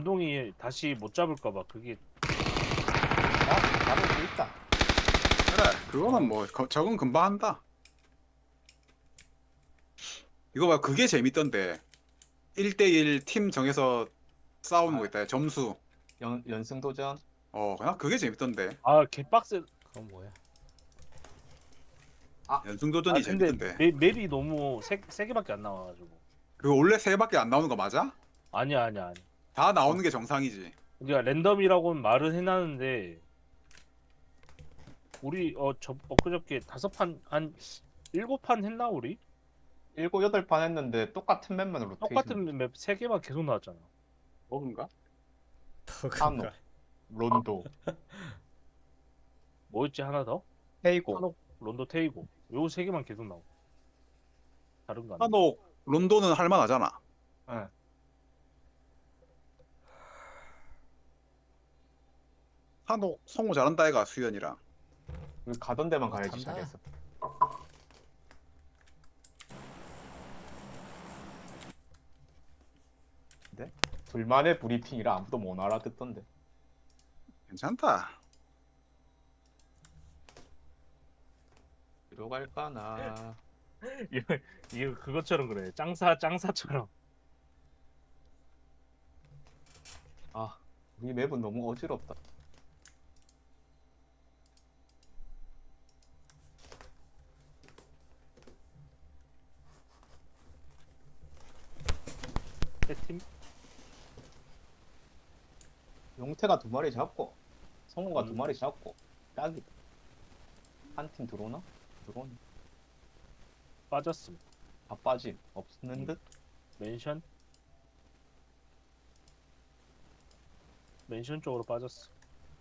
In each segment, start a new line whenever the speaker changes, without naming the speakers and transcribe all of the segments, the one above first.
제동이 다시 못 잡을까봐 그게.
잡을 수 있다.
그래 그거는 뭐 적응 금방 한다. 이거 봐 그게 재밌던데 1대1 팀 정해서 싸우는 거 있다 점수.
연승 도전.
그냥 그게 재밌던데.
아 개빡세.
그건 뭐야?
연승도전이
근데
재밌던데.
맵이 너무 세 개밖에 안 나와가지고.
그거 원래 3개밖에 안 나오는 거 맞아?
아니야.
다 나오는 게 정상이지.
우리가 랜덤이라고는 말은 해놨는데 우리 엊그저께 5판 한 7판 했나 우리?
7, 8판 했는데 똑같은 맵만 로테이션.
똑같은 맵 3개만 계속 나왔잖아.
뭐인가?
한옥, 론도,
뭐였지 하나 더?
헤이고.
한옥, 론도, 테이고. 요 3개만 계속 나오고. 다른 거 아니야?
한옥 론도는 할만하잖아.
네.
한옥 성우 잘한다 애가 수현이랑.
우리 가던 데만 가야지
탄다.
잘했어. 근데 둘만의 브리핑이라 아무도 못 알아듣던데.
괜찮다.
뒤로 갈까나.
이거 그것처럼 그래. 짱사처럼.
아, 우리 맵은 너무 어지럽다.
세팀?
용태가 2마리 잡고 성우가 2마리
음.
잡고 딱이다. 한 팀 들어오나? 들어오네.
빠졌음.
다 빠짐. 없는 듯?
멘션 쪽으로 빠졌어.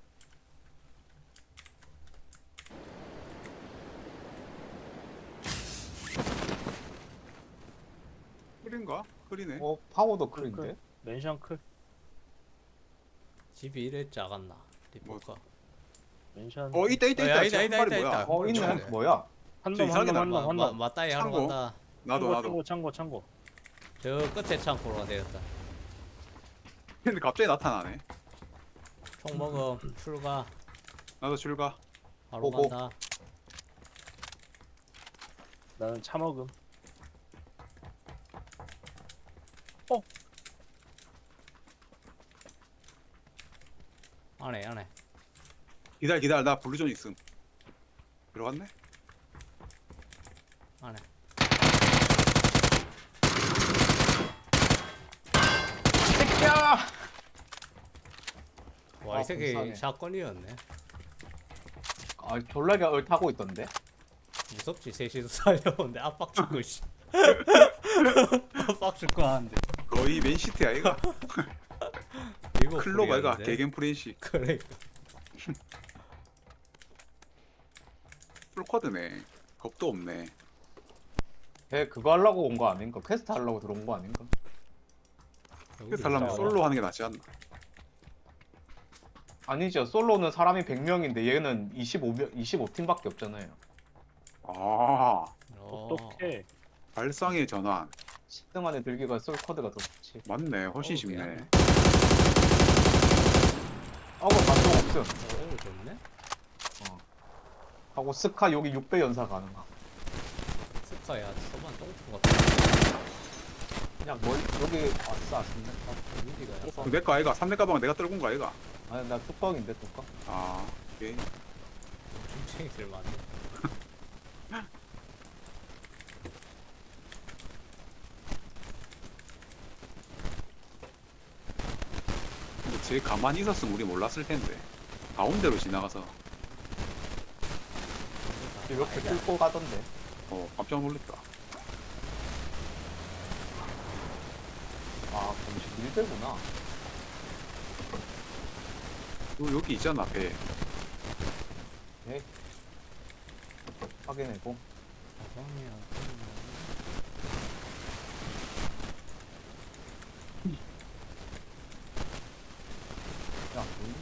클인가? 클이네.
파워도 클인데?
멘션 클.
집이 이래 작았나? 어디 볼까?
멘션.
있다.
야,
쟤
있다,
한 마리
있다,
뭐야?
있다.
있네.
그래.
뭐야?
한놈
맞다 이 하러
창고?
간다.
나도.
창고.
저 끝에 창고로 되었다.
근데 갑자기 나타나네.
총 먹음 출가
나도 출가.
바로
보고.
간다.
나는 차 먹음.
안해.
기다려. 나 블루존 있음. 들어갔네?
안해.
새끼야!
와, 이 새끼
불쌍해.
샷건이었네.
아, 졸라게 얼타고 있던데?
무섭지, 셋이서 살려오는데 압박 줄거 씨. 압박 줄거 하는데.
거의 맨시티야 얘가.
이거
클로바 얘가
불리하는데?
개겐 프렌시.
그래.
풀코드네. 겁도 없네.
걔 그거 하려고 온 거 아닌가? 퀘스트 하려고 들어온 거 아닌가?
그래서 하려면 솔로 하는 게 낫지 않나?
아니죠. 솔로는 사람이 100명인데 얘는 25팀밖에 없잖아요.
아,
똑똑해.
발상의 전환.
10등 안에 들기가 솔코드가 더 좋지.
맞네. 훨씬
어우,
쉽네.
미안해.
하고 반동 없음.
오, 좋네.
하고 스카 여기 6배 연사 가능함.
스카야, 서반 똥투 같아.
그냥 여기 아싸 좋네.
분위기가
그 내거 아이가 3대 가방 내가 떨군 거 아이가?
아니 나 뚜껑인데 뚜껑.
아, 오케이.
중쟁이들 많네.
근데 쟤 가만히 있었으면 우리 몰랐을 텐데. 가운데로 지나가서
이렇게 뚫고 가던데.
깜짝 놀랐다.
아 공식 1대구나.
여기 있잖아 배.
네. 확인해고. 야,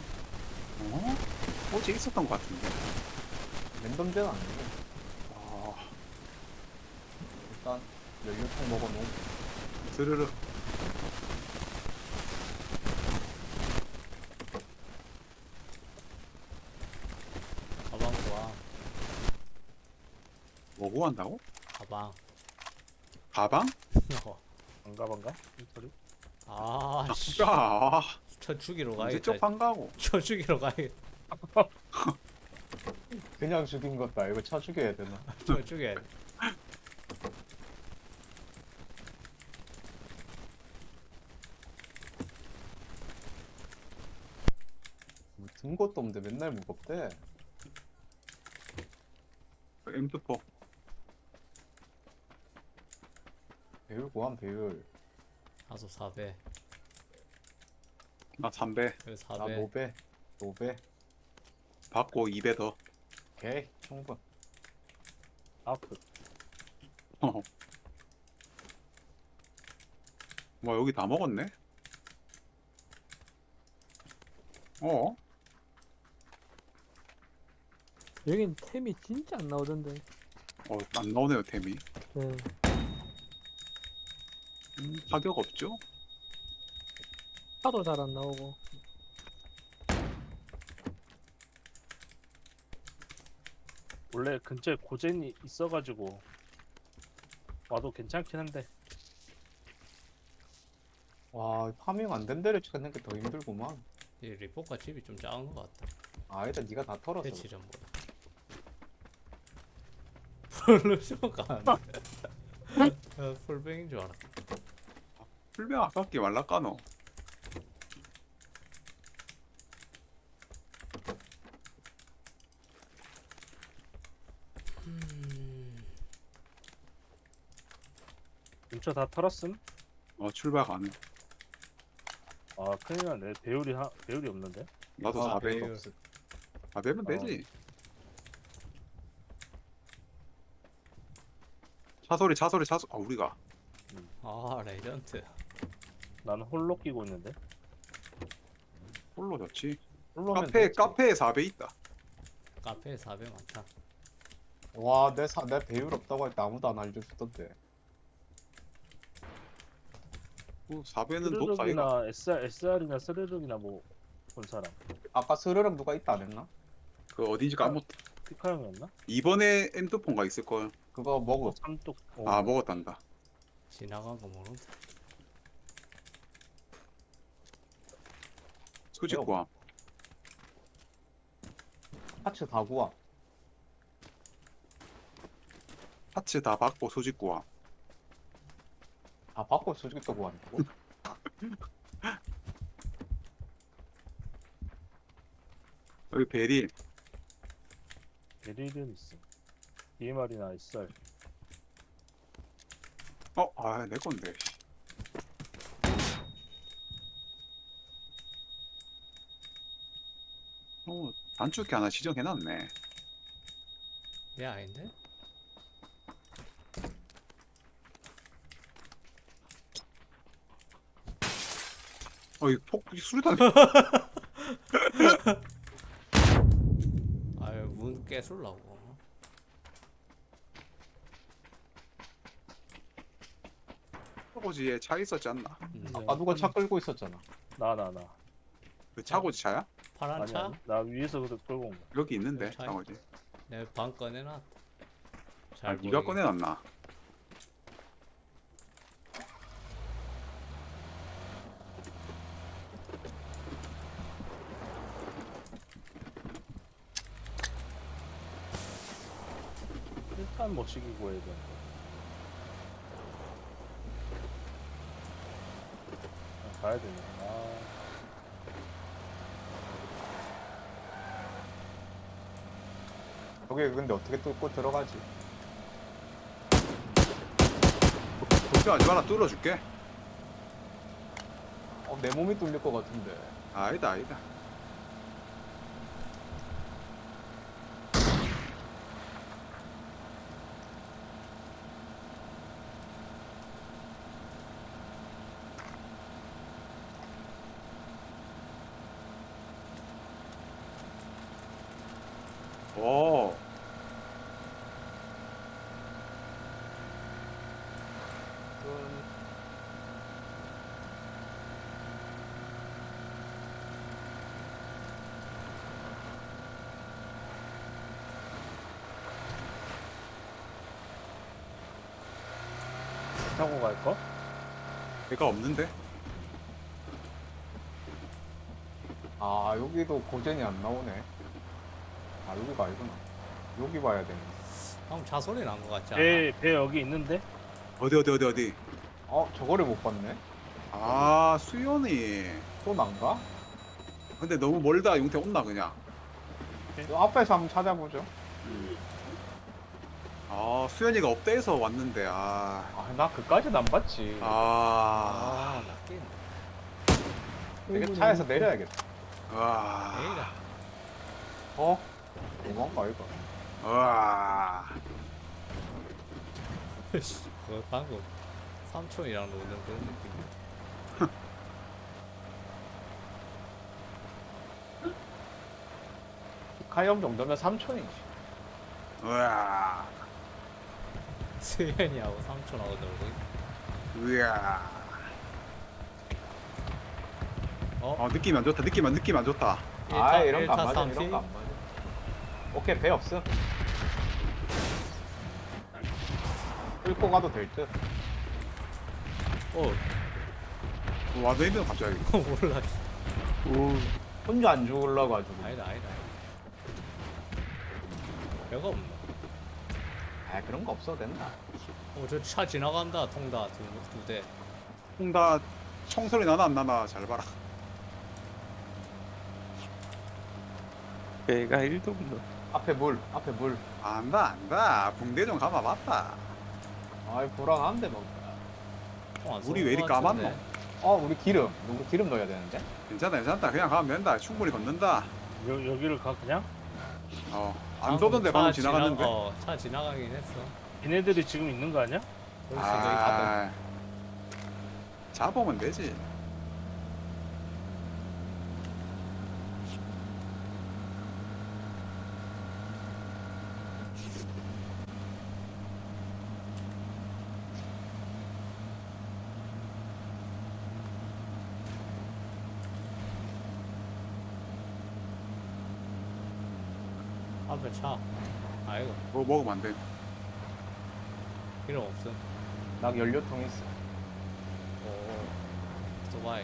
어제 있었던 것 같은데.
랜덤제는 아니고
아,
일단 연료통 먹어놓고
스르르. 뭐 구한다고?
가방.
가방?
반가 이 소리.
아, 씨.
야,
저 죽이러
언제
가야겠다.
쪽 반가고?
저 죽이러 가야겠다.
그냥 죽인 것도 아니고 쳐 죽여야 되나?
저 죽여야 돼.
뭐 든 것도 없는데 맨날 무겁대.
M24.
배율 고함 배율.
나도 4배.
나 3배
여기
나
4배.
노배. 노배.
받고 2배 더.
오케이 충분.
아프.
뭐 여기 다 먹었네? 어?
여긴 템이 진짜 안 나오던데.
안 나오네요 템이.
네.
가격 없죠?
차도 잘 안 나오고.
원래 근처에 고젠이 있어가지고 와도 괜찮긴 한데
와 파밍 안 된 데를 찾는 게 더 힘들구만.
이 리포카 집이 좀 작은 것 같다.
아니다 네가 다 털었어.
배치 전보다. 플루쇼가 안 돼. 풀뱅인 줄 알았다.
풀병 아깝게 말라까노.
근처 다 털었음?
출발 가능.
아 큰일 났네. 배율이 없는데.
나도
아,
4배.
배율.
4배면 되지. 차소리. 우리가.
아, 레전드.
나는 홀로 끼고 있는데.
홀로 좋지.
홀로면
카페에
됐지.
4배 있다.
카페에 4배 많다.
내 배율 없다고 할 때 아무도 안 알려주던데.
4배는 독사이가.
스르륵이나 SR이나 스르륵이나 뭐 본 사람.
아까 스르륵 누가 있다 안 했나?
그 어딘지 까먹.
피카 형이었나?
이번에 M2폰가 있을 걸.
그거 먹어.
삼뚝.
아 먹었단다.
지나간 거 모른다.
수직 구함.
파츠 다 구워.
파츠 다 받고 수직 구함.
다 바꿔 수직도 구한다고?
여기 베릴.
베릴은 있어. DMR이나 SR.
내 건데. 단축키 하나 지정해놨네.
얘 아닌데?
이 수류탄.
아유, 문 깨술라고.
차고지에 차 있었지 않나?
아 누가 차 끌고 있었잖아.
나.
그 차고지 차야?
파란
아니
차?
아니. 나 위에서 그래 끌고 온 거야.
여기 있는데
차
차고지.
내 방 꺼내놨다.
아,
잘
네가
보이게.
꺼내놨나?
일단 뭐 시키고 해야 되는데. 가야 되네.
여기 근데 어떻게 뚫고 들어가지?
걱정하지 마라, 뚫어줄게.
내 몸이 뚫릴 것 같은데.
아니다. 오,
타고 갈 거?
배가 없는데?
아 여기도 고젠이 안 나오네. 아 여기가 아니구나. 여기 봐야 되네.
방금 자소리 난 것 같지 않아?
배 여기 있는데?
어디?
저거를 못 봤네.
아, 수연이.
또 난가?
근데 너무 멀다. 용태 온나 그냥.
요 앞에서 한번 찾아보죠.
아, 수연이가 업대에서 왔는데. 아.
나 그까지는 안 봤지.
아.
낫긴.
되게 차에서 내려야겠다.
와.
에이라.
너무한가 이거.
와.
그거 방금 삼촌이랑 노는 그런 느낌.
카이엄 정도면 삼촌이지.
와.
수현이하고 삼촌하고 놀고 있-
우야.
어?
느낌 안 좋다. 느낌 안 좋다.
이런 거 안
1타
맞아.
3피?
이런 거 안 맞아. 오케이 배 없음. 끌고 가도 될 듯.
어
와도 있는 갑자기.
몰라.
혼자 안 죽을라가지고.
아니다. 별거 없네.
그런 거 없어도 된다.
저 차 지나간다. 통다 두 대.
다 총소리 나나 안 나나 잘 봐라.
배가 1도 없노.
앞에 물.
안다. 붕대 좀 감아 봤다.
아이 불안한데 뭐.
안
물이
쏘는
왜 이리
것 같은데.
까맣노?
우리 기름 넣어야 되는데.
괜찮다. 그냥 가면 된다. 충분히 걷는다.
여기를 가 그냥?
안 쏘던데 방금 지나갔는데.
차 지나가긴 했어.
얘네들이 지금 있는 거 아니야?
그럴 수도 있거든.
잡으면 되지.
앞에 차. 아이고
뭐 먹으면 안 돼.
필요 없음.
나 연료통 있어.
오 오토바이.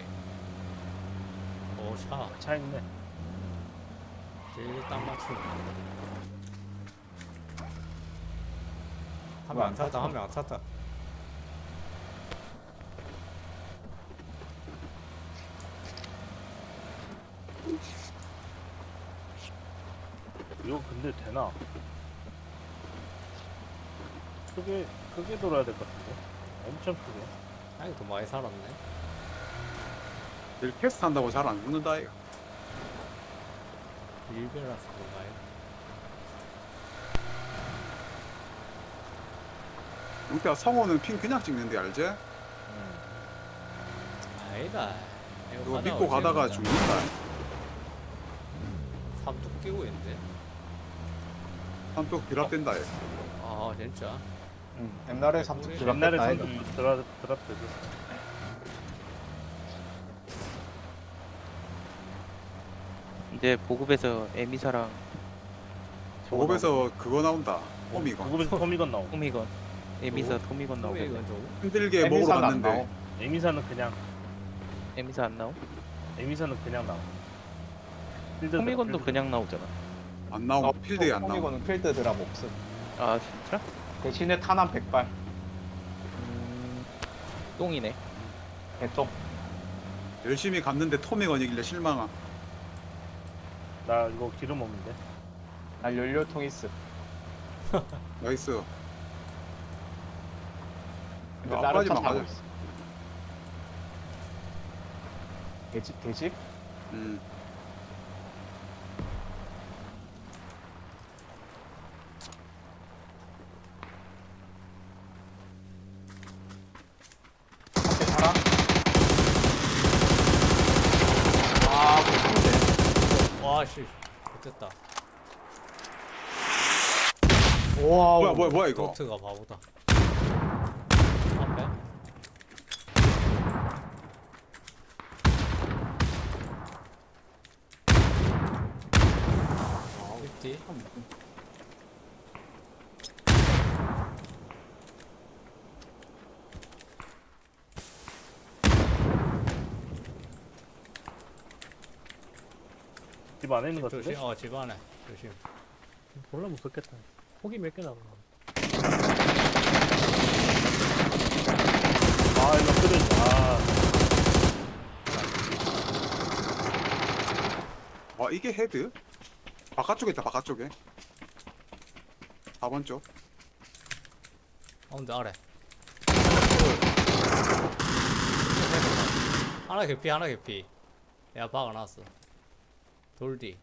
오 차.
차 있네.
제일 딱 맞추네. 한
왜
명
안
안 탔다.
탔어?
한 명 안 탔다.
이거 근데 되나? 크게 돌아야 될 것 같은데? 엄청 크게.
아이 더 많이 살았네.
늘 캐스트 한다고 잘 안 죽는다 이거.
일베라서 그런가요?
용태야 성호는 핑 그냥 찍는데 알지?
아니다.
그거 믿고 가다가 죽는다.
삼뚝 끼고 있는데.
한쪽 비랍된다 얘.
아 진짜.
옛날에 삼뚝
옛날에
드랍했다
선수
이거.
드랍되죠.
이제 보급에서 에미사랑
보급에서 그거 나온다. 호미건.
구급에서 토미건 나오고.
토미건 에미사 토미건 나오고
이건 좀.
힘들게 먹으러
에미사는 안
갔는데
나오.
에미사는 그냥
에미사 안 나오?
나와. 필드
토미건도
필드.
그냥 나오잖아.
안 나오고 필드에 안 나오고.
이거는 필드 드랍 없음.
아 진짜?
대신에 탄환 100발.
똥이네.
개똥.
열심히 갔는데 토미건이길래 실망함.
나 이거 기름 없는데.
난 연료통 있음.
나이스.
근데
아,
다른 차
앞까지만
타고
가자.
있어. 개집?
음.
앞에 사람? 개똥인데.
와씨. 됐다.
와우.
뭐야 이거?
도트가 바보다. 앞에. 립디.
집 안에 있는 것
조심.
같은데?
집 안에 조심.
몰라 무섭겠다. 폭이 몇 개 나가.
아 이거 끓여지.
와 이게 헤드? 바깥쪽에 있다 바깥쪽에 4번 쪽.
가운데 아래. 하나 개피 하나 개피. 내가 박아놨어. 돌디.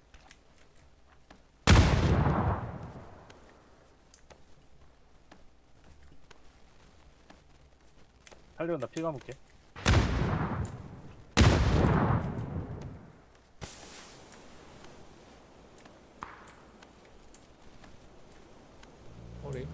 하려면 나 피 감을게.
우리.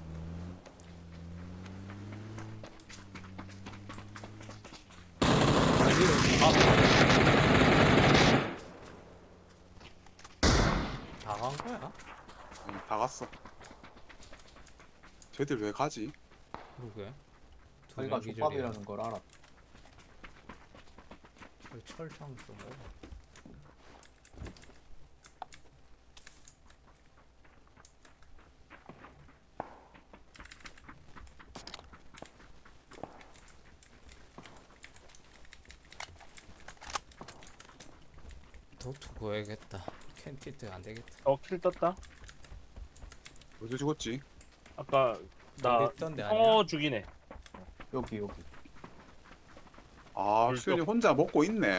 다 간 거야?
다 갔어. 쟤들 왜 가지?
그러게.
저희가 족밥이라는 걸 알아.
철창 좀 먹어. 도트 구해야겠다. 캔티트 안 되겠다.
킬 떴다.
어디 죽었지?
아까 나
우리 있던데 아니야?
여기.
아
불
수현이 혼자 먹고 있네.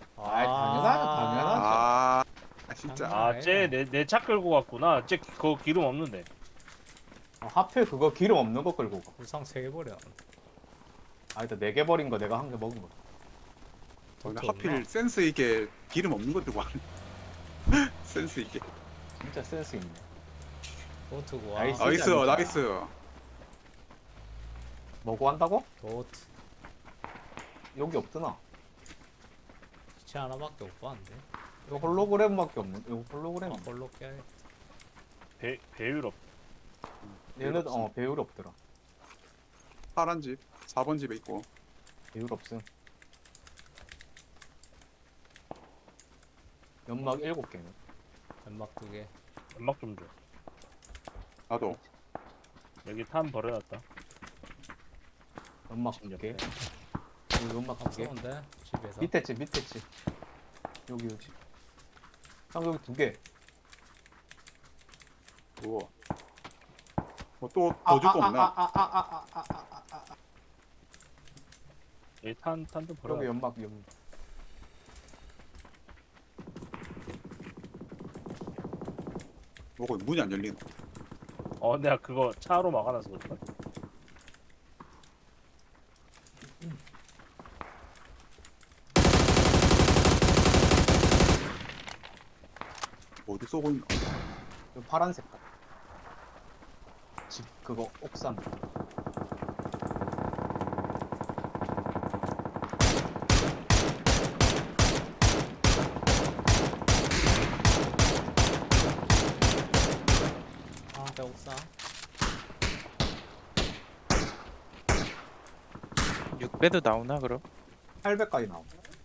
당연하죠.
아 진짜.
내 차 끌고 갔구나. 쟤 그거 기름 없는데.
하필 그거 기름 없는 거 끌고 가.
불상 3개 버려.
일단 4개 버린 거 내가 한 개 먹은 거.
근데
도트
하필
없나?
센스 있게 기름 없는 거 들고 왔네. 센스 있게.
진짜 센스 있네.
도트 구하.
나이스.
나이스
아니다.
나이스.
뭐고 한다고?
도트.
여기 없더나.
시체 하나밖에 못 봤는데.
이거 홀로그램밖에 없는. 이거 홀로그램.
홀로 깨야겠다.
배율 없.
얘네 배율 없더라.
파란 집 4번 집에 있고.
배율 없음. 연막 7개네.
연막 2개.
연막 좀 줘.
나도.
여기 탄 버려놨다.
연막
집
2개.
옆에.
여기 연막 2개.
쏘는데 집에서.
밑에 집. 여기. 형 여기 2개.
우와. 뭐또더 줄 거 없나?
여기 탄도
여기
버려.
연막.
뭐고 문이 안 열리노?
내가 그거 차로 막아놔서 그렇다.
어디 쏘고 있나?
여기 파란 색깔. 집 그거 옥상.
배옥상.
6배도 나오나 그럼?
800까지 나오.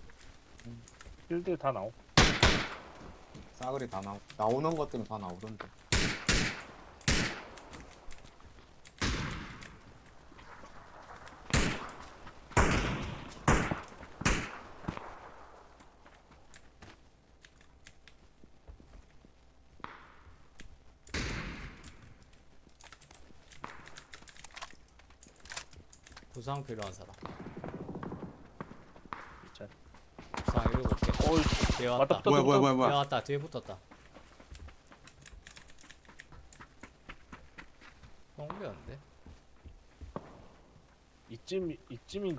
필드 다 나오.
싸그리 다 나오. 나오는 것들은 다 나오던데.
부상 필요한 사람.
자.
부상 7개.
어이,
뒤에
왔다
왔다.
붙었다.
뒤에
뭐야.
왔다. 뒤에 붙었다. 옮겼는데?
이쯤인가?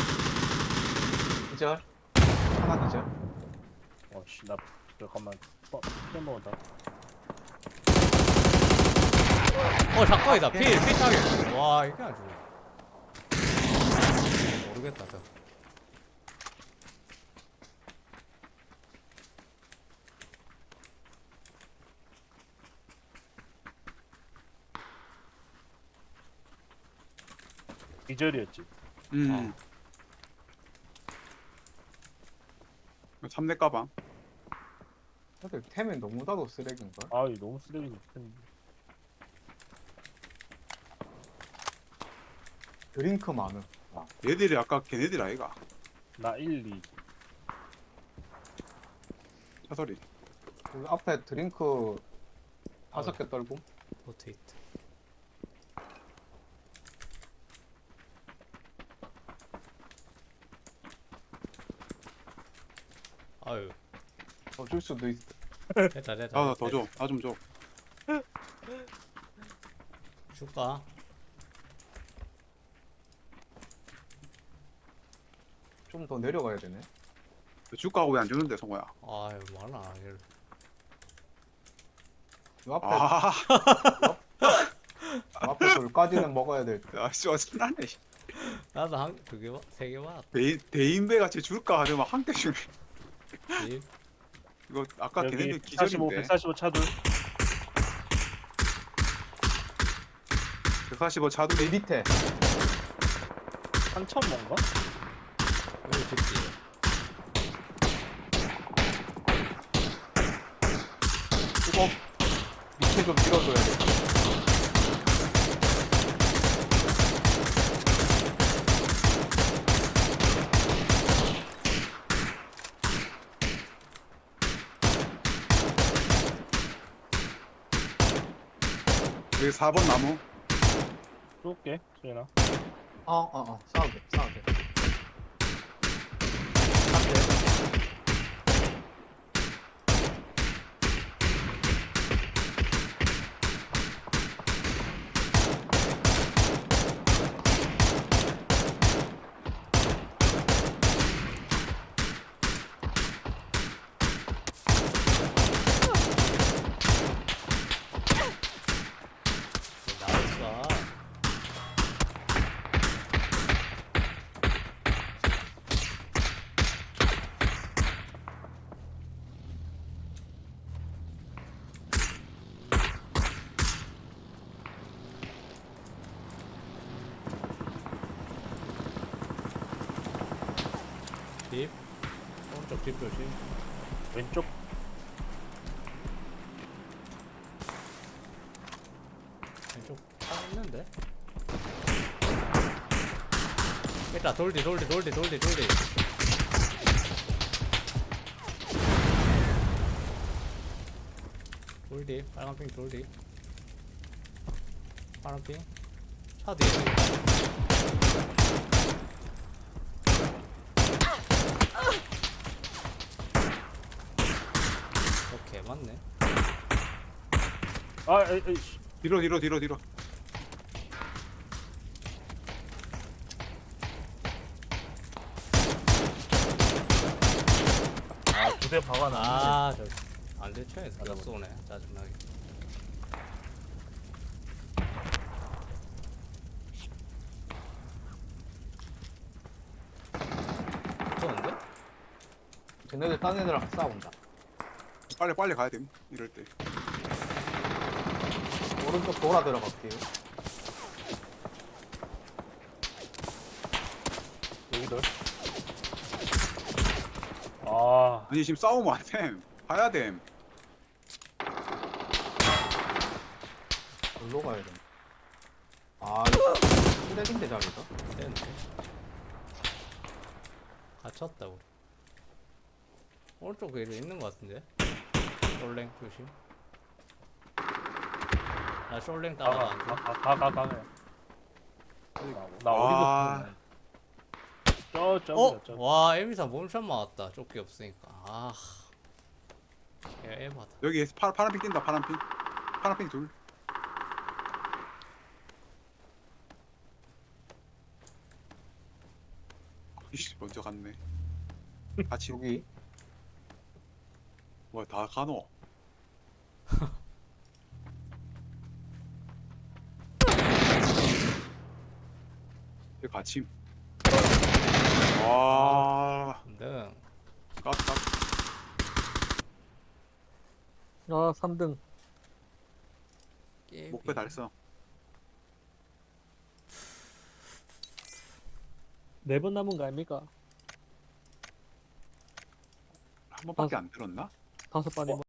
기절. 하나 기절.
씨, 나 잠깐만. 피한 번만 더.
작가이다. 필 타격. 와, 이게 아주. 모르겠다, 저.
기절이었지.
3대 가방.
근데 템이 너무나도 쓰레기인걸?
아 이거 너무 쓰레기 텐데.
드링크 많음.
얘들이 아까 걔네들 아이가.
나 1, 2.
차소리.
여기 앞에 드링크 5개 떨고.
포테이트. 아유,
더 줄 수도 있어.
됐다.
아, 더 줘. 나 좀 줘.
줄까?
좀 더 내려가야 되네.
줄까 하고 왜 안 주는데, 성호야?
아유, 많아. 이걸.
요 앞에
아,
앞에 돌까지는 먹어야 될 듯.
야, 씨, 어쩌나네.
나도 한, 2개, 3개 받았다.
대인배 같이 줄까 하더만 한 개 주네.
일.
이거 아까
여기
걔네들
145,
기절인데.
145 차돌.
145
내
차돌이.
밑에
3천 뭔가?
여기 집지.
이거 밑에 좀 밀어줘야 돼.
여기 4번 나무.
쏠게 수현아.
싸우게.
나왔어. 집. 오른쪽 집 조심.
왼쪽.
왼쪽 차 있는데? 일단 돌디. 돌디, 빨간핑 돌디. 파란핑. 차 뒤에. 오케이, 맞네.
아 에이 씨.
뒤로.
아 2대 박아놨네.
아, 저 안대천에서 다 쏘네. 짜증나게. 쏘는데?
쟤네들 딴 애들랑 싸운다.
빨리 가야 됨. 이럴 때.
오른쪽 돌아 들어갈게요.
여기들. 아
아니, 지금 싸우면 안 됨. 가야 됨.
돌로 가야 돼. 이거 쓰레기인데 자기가?
됐네. 갇혔다, 우리. 오른쪽 위로 있는 것 같은데? 숄랭 조심. 나 숄랭 따라가 안 돼.
가. 나
아.
어디서 저저
어?
저.
와, 에미사 몸샷 맞았다. 조끼 없으니까. 아. 야, 에바다.
여기 파란핑 뛴다, 파란핑 둘. 이씨, 먼저 갔네. 같이.
여기
뭐야, 다 가노. 여기 같이. 와,
등.
깝깝.
아 3등.
목표 달성.
4번 남은 거 아닙니까?
한 번밖에 안 들었나?
5번이